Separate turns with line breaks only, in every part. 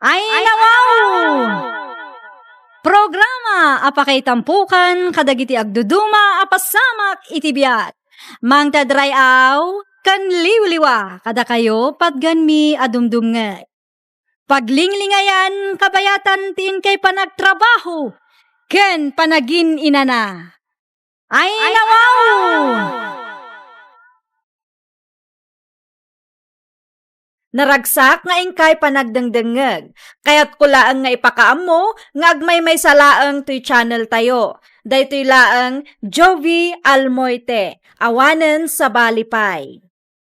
Ay nawaw! Programa apakay tampukan kadagiti agduduma apasamak itibiyat. Mang tadrayaw kan liwliwa kada kayo patgan mi adumdumngay. Paglinglingayan kabayatan tin kay panagtrabaho ken panagin inana. Ay nawaw! Naragsak nga ingkay panagdengdengeg. Kaya't kulaang nga ipakaam mo, nga agmay may salaang to'y channel tayo. Daytoy laang Jovi Almoite, awanen sa balipay.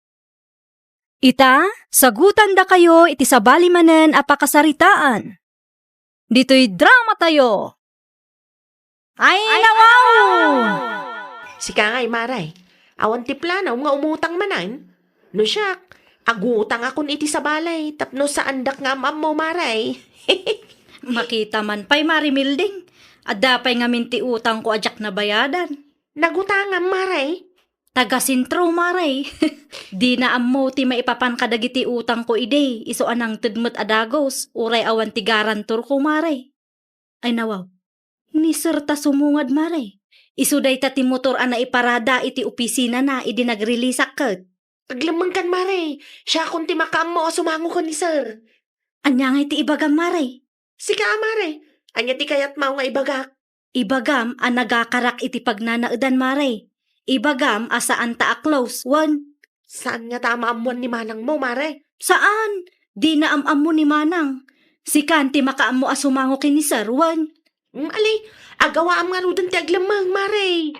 Ita, sagutan da kayo iti sa balimanen apakasaritaan. Dito'y drama tayo. Ay nawaw!
Sika nga'y maray, awan ti planaw nga umutang manan. No siyak, agutang akon iti sa balay, tapno sa andak nga amam mo maray.
Makita man pa'y marimilding. Adapay nga minti utang ko ajak na bayadan.
Nagutangam maray.
Taga sintro maray. Di na ammo ti maipapan kadagiti utang ko ide. Iso anang tudmut adagos. Uray awan ti garantor ko maray. Ay nawaw. Ni sir ta sumungad maray. Iso day ta ti motor ana iparada iti opisina na idi nagrelisak ket.
Aglamang kan maray. Siya kung ti makaam mo o sumango ko ni sir.
Anya nga iti ibagam maray.
Sika maray. Anya ti kayat mao nga ibagak.
Ibagam ang nagakarak iti pagnanaudan maray. Ibagam asaan ta a close one.
Saan nga tama amuan ni manang mo maray?
Saan? Di na amam mo ni manang. Si Kanti makaam mo asumango kini sir one.
Ali, agawa am nga rudan ti aglamang maray.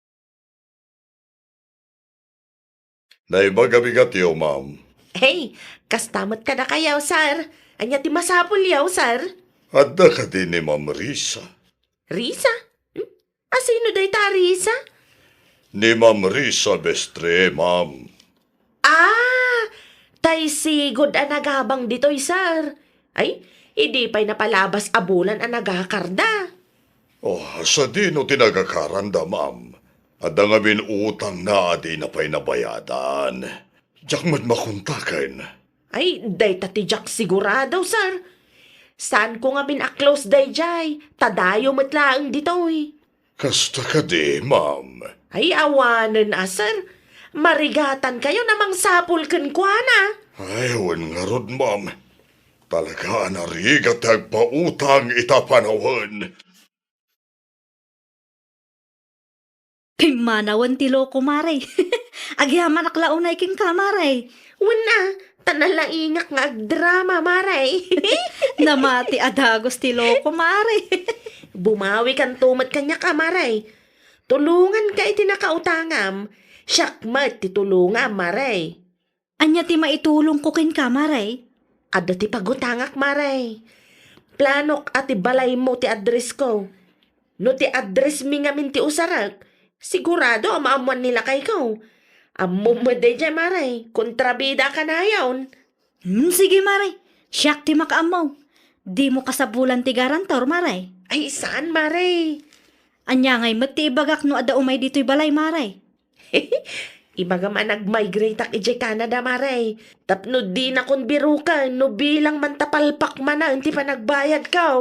Naibaga-bigat yo, ma'am.
Hey, kastamat ka na kayaw, sir. Anya ti masapul yaw, sir.
Adda ka din ni Ma'am Risa.
Risa? Asino day ta, Risa?
Ni Ma'am Risa Bestre, ma'am.
Tay sigod ang nagabang dito'y, sir. Ay, hindi pa'y napalabas abulan ang nagakarda.
Oh, sa di no tinagakaranda, ma'am. Adda nga min utang na di na pa'y nabayadan. Diyak mat makuntakan.
Ay, day tatijak sigurado, sir. Saan ko nga bin-close day jay? Tadayo matlaang dito'y.
Kasta ka di, ma'am.
Ay, awanan sir. Marigatan kayo namang sapul kan kwa na.
Ay, wan nga rod, ma'am. Talaga narigat agpautang itapanawan.
Pimanawan ti loko maray. Agyaman aklaunay king kamaray.
Wala, tanalaingak nga agdrama, maray.
Namati adagos ti loko maray.
Bumawi kan tumat kanya ka, maray. Tulungan ka iti nakautangam. Siyakmat ti tulungam, maray.
Anya ti maitulong ko kin kamaray.
Ada ti pagutangak, maray. Planok at ti balay mo ti address ko. No ti address mi nga min ti usarak, sigurado amaamuan nila kay ko. Ammo mo day dyan, maray. Kontrabida ka na yawn.
Sige maray. Siyak ti makaamaw. Di mo kasabulan ti garantor maray.
Ay, saan, maray?
Anya ngay mati ibagak no ada umay dito'y balay maray.
Ibaga man nag-migrate ak ije Canada, maray. Tapno di na kon birukan, no bilang man tapalpak man na, hindi pa nagbayad ka.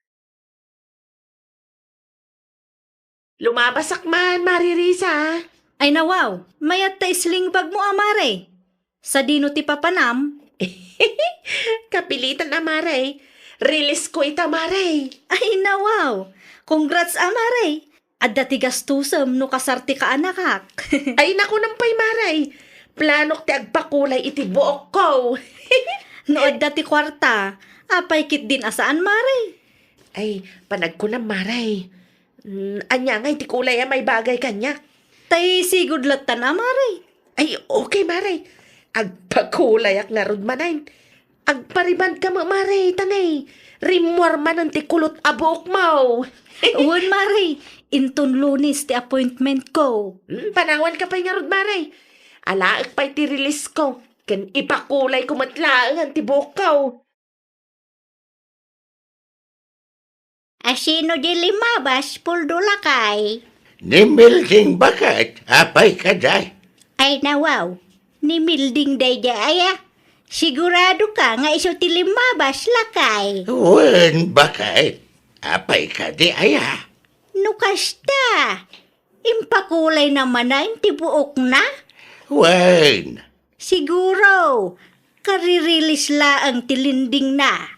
Lumabasak man, Maririsa.
Ay nawaw, mayat ta isling bag mo amaray. Sa dino ti papanam.
Kapilitan na, maray. Release ko ita, maray.
Ay nawaw, congrats amaray. Adda ti gastusem no kasarti ka anakak.
Ay, naku nampay, maray. Planok ti agpakulay iti buok ko.
No adda ti kwarta, apay kit din asaan maray.
Ay, panag ko na, maray. Anya nga, iti kulay may bagay kanya.
Tay sigud latan amaray.
Ay, okay, maray. Agpakulay ak narod manayin. Agpariband ka mo, maray, tanay. Rimwar man ang tikulot abok mo.
Uwan maray, inton Lunes ti appointment ko.
Panawan ka pa'y nga rod, maray. Alaak pa'y ti release ko. Kan ipakulay ko matlaang ang tibok ko.
Asino di limabas, puldula kay.
Ni Milding bakat, apay ka day.
Ay nawaw, ni Milding day aya. Sigurado ka nga iso ti limabas lakay.
Wen, bakit? Apay ka di aya?
No kasta. Impakulay naman na ti buok na.
Wen.
Siguro. Karirilis laang tilinding na.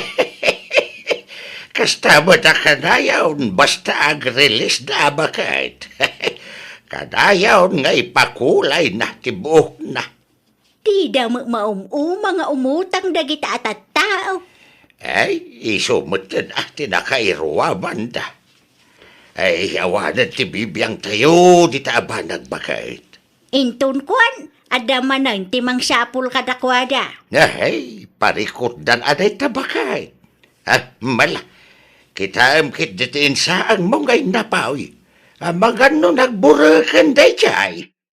Kasta mo ta kadayaw, basta ag-release na bakit? Kadayaw nga ipakulay na tibuok na.
Di da mga umutang dagita at tao.
Ay, isumot na tinakairuwa banda. Ay, awanan ti bibiyang tayo, di taba nagbakit.
Inton kwan, adaman ng timang sapul kadakwada.
Ay, parikot dan aday tabakit. Mala, kita amkit ditiin sa ang mongay napawi. Magano nagburakan day chay.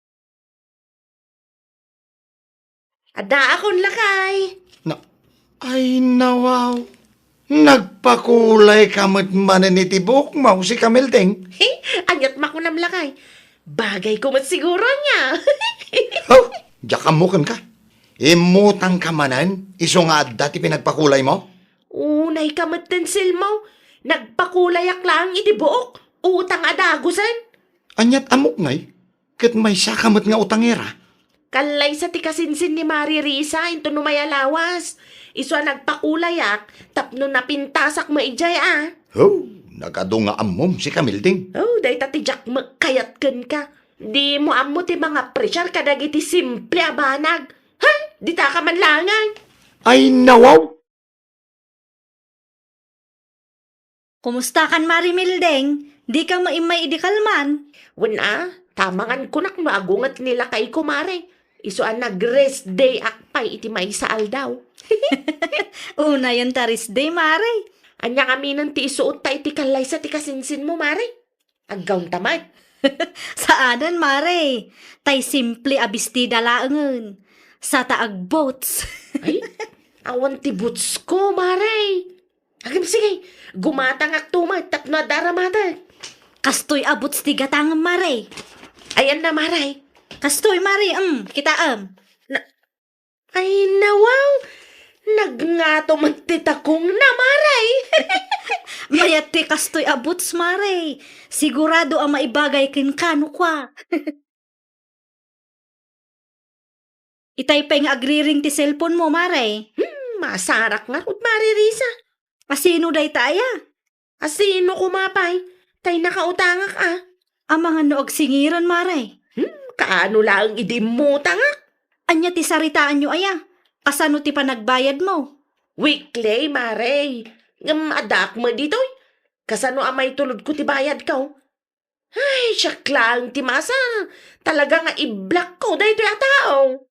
Ada akon lakay.
Ay, nawaw. Nagpakulay kamot manan ni tibok mo si Kamilding.
Anyat makunam lakay. Bagay ko mat siguro niya.
Oh, jakamukan ka. Imutang ka manan, iso nga dati pinagpakulay mo?
Unay kamat tensil mo. Nagpakulayak lang itibuok. Utang adagusan.
Anyat amok ngay, kat may sakamot nga utangera.
Kalay sa tikasinsin ni Mari Risa into numayalawas. Iso nagpakulayak, tapno napintasak maijay
Oh, nagado nga amom si Kamilding.
Oh, day tatijak magkayatken ka. Di mo amo ti mga presyar kadagiti simple abanag. Ha? Di ta ka man langan.
Ay, nawaw.
Kumusta kan Mari Mildeng? Di ka maimay idikalman.
Wala, tamangan kunak no agungat nila kay kumare. Iso nag-rest day akpay iti may saal daw.
Una yun taris day, Mari.
Anya kami nang ti isuot ta iti kalay sa tikasinsin mo, mare. Aggaw tamad.
Saanan, Mari? Tay simple abistida laangan. Sa taag boats.
Ay, awan ti boots ko, mare. Agam sige, gumatang tumad tapno daramata.
Kastoy abots ti gatang, Mari.
Ayan na, mare.
Kastoy, Mari, kita
Ay, nawaw. Nagngato magtitakong na, maray.
Mayat ti kastoy abots, Mari. Sigurado ang maibagay kin kano kwa. Itay pa nga agriring ti cellphone mo, Mari.
Masarak nga rod, Mari Risa.
Asino day taya?
Asino kumapay? Tay nakautangak
Ang mga noog singiran, Mari.
Kaano lang idimutang
Anya ti saritaan nyo aya. Kasano ti panagbayad mo?
Weekly, mare. Ngam adak mo ditoy. Kasano amay tulod ko ti bayad ka? Ay, siyak lang ti masa. Talaga nga i-block ko dahil ito tao.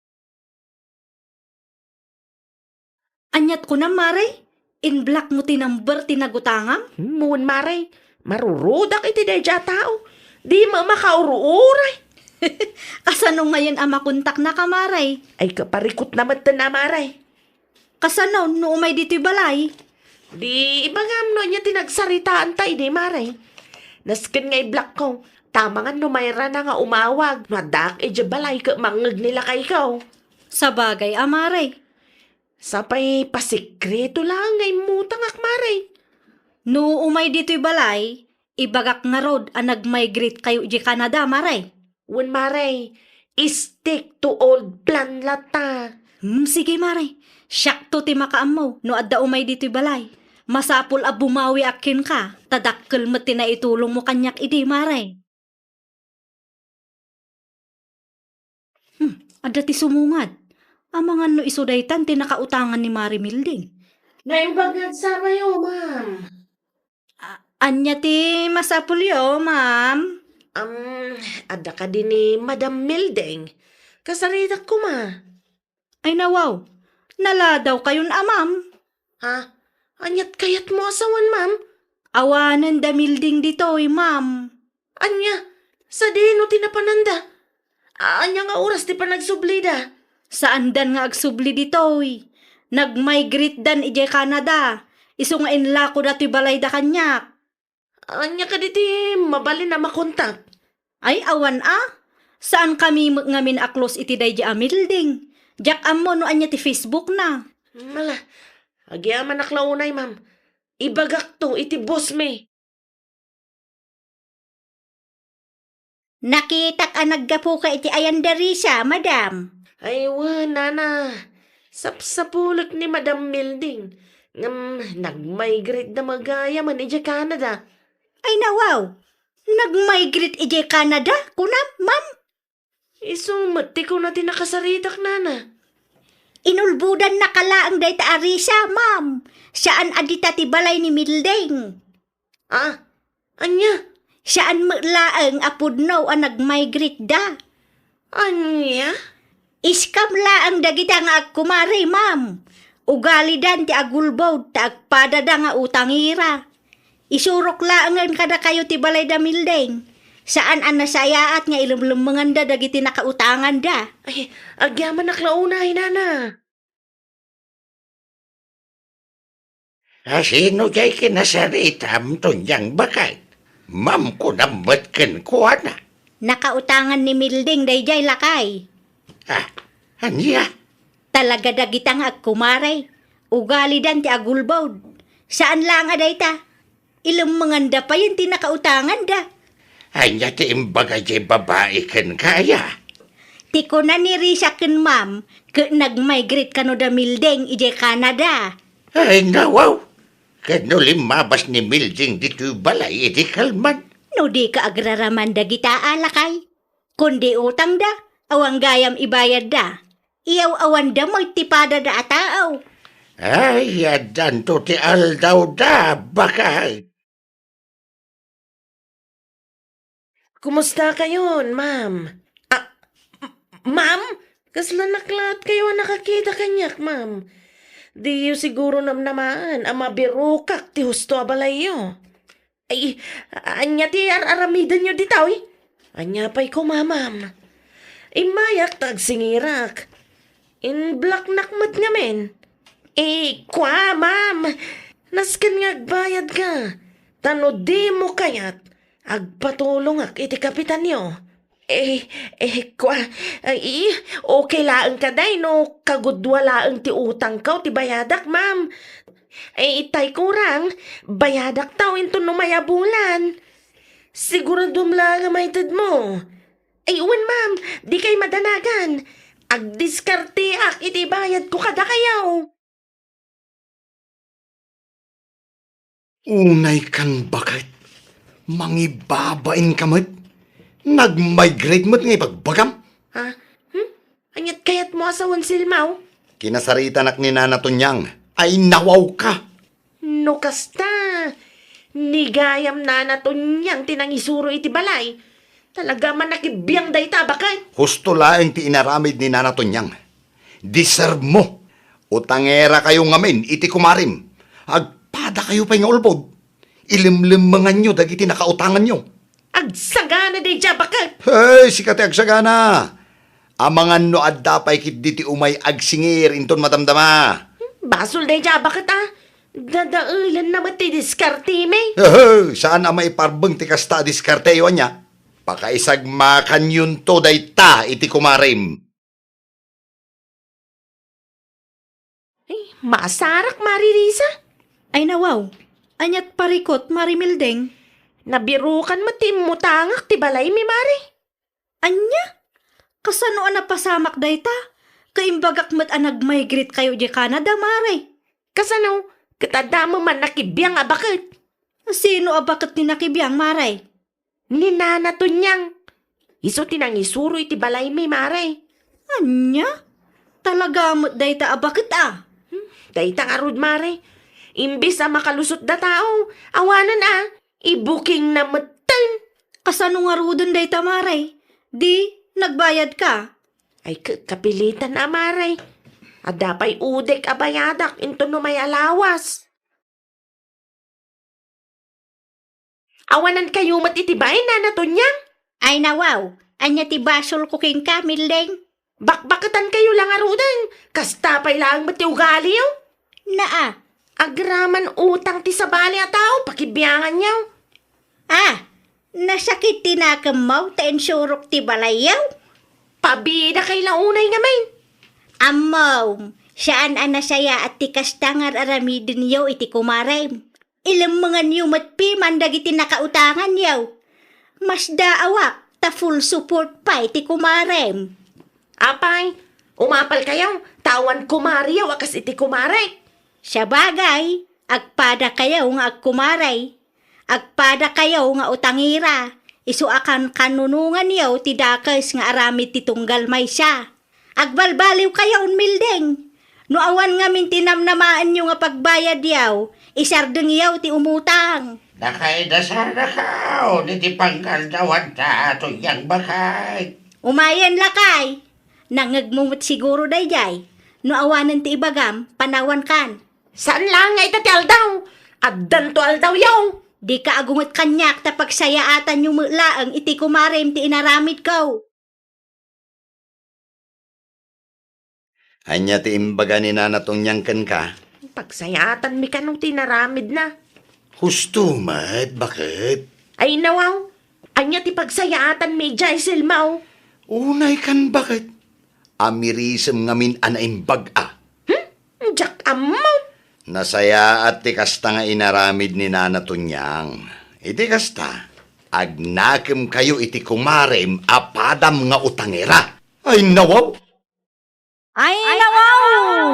Anyat ko na, Mari. In-block mo ti number tinagutangam?
Moon, mare. Marurudak iti dahil tao. Di mo makauruuray.
Kasano ngayon ang makontak na ka, Mari?
Ay, kaparikot naman na, mare.
Kasano no umay dito'y balay?
Di ibangam no niya tinagsaritaan tayo di, mare. Naskin nga i-block ko. Tama nga no mayra na nga umawag. Madak e balay ka mangag nila kay ikaw.
Sa bagay, Mari.
Sapay pasikreto lang ngay mutangak, mare.
No umay dito'y balay, ibagak nga rod ang nag-migrate kayo di Canada, Mari.
Wen, mare, stick to old plan lata.
Sige, Mari. Siyak to ti makaam mo, no adda umay dito'y balay. Masapul a bumawi akin ka, tadakkel mo na itulong mo kanyak idi, Mari. Adda ti sumungad. Amangan no isudaytan ti nakautangan ni Mari Milding.
Naibagad sa mayo, ma'am.
Anya ti masapulyo, ma'am?
Ada ka din ni Madam Mildeng. Kasaritak ko, ma.
Ay nawaw, naladaw kayon ma'am.
Ha? Anyat kayat mo asawan, ma'am?
Awanan da Milding dito'y, ma'am.
Anya? Sa dino tinapananda? Anya nga oras ti panagsublida?
Saan dan nga agsubli dito'y? Nag-migrate dan ije Canada. Iso nga inlako dato'y balay da kanyak.
Anya ka diti mabali na makontak.
Ay awan Saan kami ngamin aklos iti day Milding? Jak ammo no anya ti Facebook na.
Mala, agyaman naklaunay, ma'am. Ibagak to, iti boss me.
Nakitak ang naggapo ka iti ayan darisa, madam.
Ay, nana. Sapsapulok ni Madam Milding. Nag-migrate na magaya man iti Canada.
Ay nawaw, nag-migrate iti Canada, kunam, ma'am.
Isumati ko na tinakasaritak, nana.
Inulbudan na kalaang dayta arisa, ma'am. Saan adita ti balay ni Milding?
Ah, anya?
Saan laang apudno ang nag-migrate da?
Anya?
Iskam laang dagita nga agkumari, ma'am. Ugali dan ti agulbod, ta agpadada nga utangira. Isurok laangan kada kayo ti balay da Milding. Saan ang nasayaat nga ilumlumangan da dagiti nakautangan da?
Ay, agyaman naklaunay, nana.
Sino jay kinasaritam to niyang bakay? Ma'am ko namat ken kuha na.
Nakautangan ni Milding dayjay lakay.
Anya?
Talaga dagita nga agkumari. Ugali dan ti agulbod. Saan lang adayta? Ilumanganda pa yun ti nakautangan da.
Anya ti imbaga jay babae ken kaya.
Ti ko na ni Risa ken ma'am, nag-migrate kano da Milding ije Canada.
Ay nawaw. Kano limabas ni Milding dito balay iti kalman.
No di ka agraraman dagita alakay. Kundi utang da, awang gayam ibayad da. Iyaw awan da magtipada da ataaw.
Ay, adan to ti aldaw da bakay.
Kumusta kayon, ma'am? Ma'am? Kasla naklat kayo nakakita kanyak, ma'am. Di yu siguro namnamaan ang mabirukak ti husto abalayo. Ay, anya ti aramidan nyo ditaw eh. Anya pa'y kumamam. Imayak tagsingirak. In black nakmat nga men. Kwa, ma'am. Naskan nga agbayad ka. Tano di mo kayat. Agpatulong ak iti kapitan nyo. Kwa, okay laang ka day no kagudwa laang ti utang ka ti bayadak, ma'am. Itay kurang, bayadak tao into no mayabulan. Siguro dumla nga maitid mo. Uwan, ma'am, di kay madanagan. Agdiskarte ak iti bayad ko kada kayaw.
Unay kan bakit? Mangibabain ka mo't? Nag-migrate mo't ngay pagbagam?
Ha? Anyat kayat mo asawan silmaw?
Kinasaritanak ni Nana Tunyang ay nawaw ka.
No kasta. Nigayam na natunyang tinangisuro iti balay. Talaga man nakibiyang day tabakay.
Husto laeng ti inaramid ni Nana Tunyang. Deserve mo. Utangera kayo ngamin iti kumarim. Agpada kayo pa nga ulbod. Ilimlimangan nyo dagiti nakautangan nyo.
Agsagana day jabakay.
Hey, sikati agsagana. Amangan no adda pa'y kit diti umay agsingir inton matamdama.
Basol day jabakit Dadailan na mati diskarte me.
Saan amay parbeng ti kasta diskarteyo niya? Pakaisagmakan yun to day ta iti kumarim.
Masarak maririsa.
Ay nawaw, anyat parikot Mari Milding.
Nabirukan mati mutangak ti balay mi mari.
Anya? Kasano ang napasamak dayta? Kaimbagak mat ang nag-migrate kayo di Canada, Mari.
Kasano? Katadama man nakibiyang abakit.
Sino abakit ni nakibiyang, Mari?
Ni Nana Tunyang. Iso tinangisuro iti balay mi mari.
Anya? Talaga mo't dayta abakit
Dayta nga rod mari. Imbis makalusot da tao. Awanan i-booking na matan.
Kasano nga rudon dayta, Mari? Di, nagbayad ka?
Ay kapilitan mari. Adapay udek abayadak into no may alawas. Awanan kayo matitibay na Tunyang.
Ay nawaw, anya ti basol ko king ka, Milding?
Bakbakatan kayo lang arudan. Kastapay lang mati ugali yo.
Naa.
Agraman utang ti sabali a tao, pakibiyangan niyo.
Nasakit tinakamaw ta insurok ti balayaw?
Pabida kay launay nga main.
Amaw, saan anasaya at tikas tangar aramidin yaw iti kumarem. Ilang mga niyo matpiman dagiti nakautangan yaw. Mas daawak, ta full support pa iti kumarem.
Apay, umapal kayo, tawan kumari yaw akas iti kumare.
Sa bagay, agpada kayaw nga agkumaray. Agpada kayaw nga utangira. Isu akan kanunungan yaw ti dakas nga aramid ti tunggal may siya. Agbalbaliw kayaw mildeng. No awan nga min tinamnamaan nyo nga pagbayad yaw, isardeng yaw ti umutang.
Nakaida sana ka, ni ti pangkaldawan ta ato yang bakay.
Umayan lakay. Nangagmumot siguro dayjay. No awanan ti ibagam, panawan kan.
Saan lang nga itati aldaw? Addan to aldaw yaw.
Di ka agungot kanyak ta pagsayaatan yung mulaang iti kumarem ti inaramid ko.
Anya ti imbaga ni nanatong nyangken ka.
Pagsayatan mi kanong tinaramid na.
Husto, mat, bakit?
Ay nawaw, anya ti pagsayatan mi jay silmaw.
Unay kan bakit? Amirisem ngamin anaimbag a.
Jack amaw.
Nasaya at ti kasta nga inaramid ni nanatonyang. Iti kasta, agnakem kayo iti kumarem apadam nga utangera. Ay nawaw!
Ay, nawaw!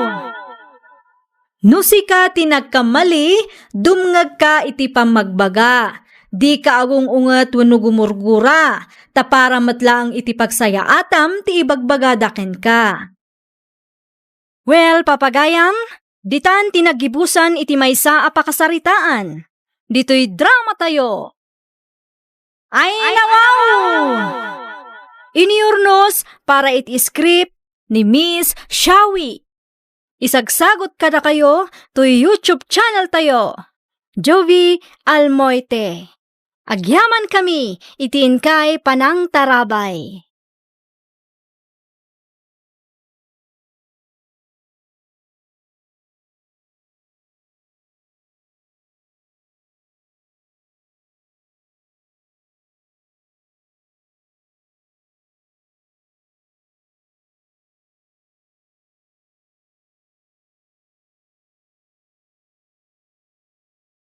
Nusika tinagkamali, dumngag ka iti pamagbaga. Di ka agong unget wenno gumurgura, ta para matlaang iti pagsayaatam ti ibagbagadaken ka. Well, papagayam, ditan tinagibusan iti maysa a pakasaritaan. Dito'y drama tayo. Ay, nawaw! Iniurnos para iti script ni Miss Shawi. Isagsagot kada kayo to YouTube channel tayo. Jovi Almoite. Agyaman kami, itiin kay Panang Tarabay.